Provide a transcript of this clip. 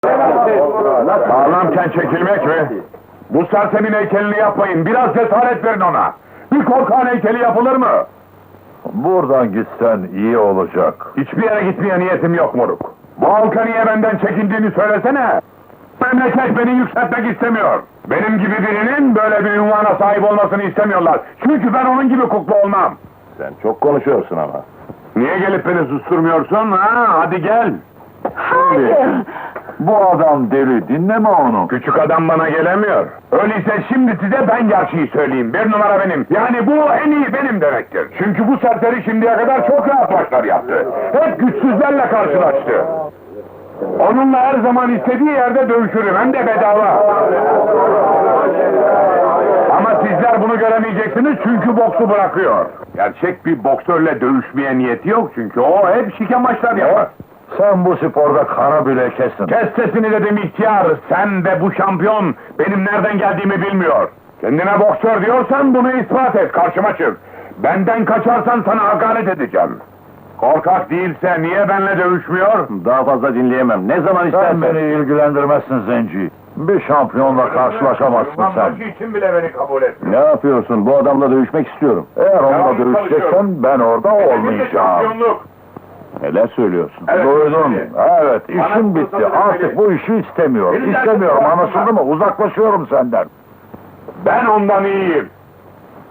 Sağlamken çekilmek mi? Bu sersemin heykelini yapmayın, biraz cesaret verin ona! Bir korkağın heykeli yapılır mı? Buradan gitsen iyi olacak. Hiçbir yere gitmeye niyetim yok moruk. Bu halka niye benden çekindiğini söylesene! Memleket beni yükseltmek istemiyor. Benim gibi birinin böyle bir ünvana sahip olmasını istemiyorlar. Çünkü ben onun gibi kukla olmam. Sen çok konuşuyorsun ama. Niye gelip beni susturmuyorsun ha? Hadi gel! Hayır! Bu adam deli, dinleme onu. Küçük adam bana gelemiyor. Öyleyse şimdi size ben gerçeği söyleyeyim. Bir numara benim. Yani bu en iyi benim demektir. Çünkü bu serseri şimdiye kadar çok rahat maçlar yaptı. Hep güçsüzlerle karşılaştı. Onunla her zaman istediği yerde dövüşürüm. Hem de bedava. Ama sizler bunu göremeyeceksiniz çünkü boksu bırakıyor. Gerçek bir boksörle dövüşmeye niyeti yok çünkü o hep şike maçlar yapar. Sen bu sporda kara bile kesin. Kes sesini dedim ihtiyar, sen de bu şampiyon benim nereden geldiğimi bilmiyor. Kendine boksör diyorsan bunu ispat et, karşıma çık. Benden kaçarsan sana hakaret edeceğim. Korkak değilse niye benimle dövüşmüyor? Daha fazla dinleyemem. Ne zaman istersen. Sen beni ilgilendirmezsin Zenci. Bir şampiyonla karşılaşamazsın sen. Maçı için bile beni kabul et. Ne yapıyorsun? Bu adamla dövüşmek istiyorum. Eğer onunla dövüşeceksen ben orada olmayacağım. Şampiyonluk. Neler söylüyorsun? Evet, Duydum. evet. Evet, işim bitti. Artık bu işi istemiyorum. İstemiyorum, anlaşıldı mı? Uzaklaşıyorum senden. Ben ondan iyiyim.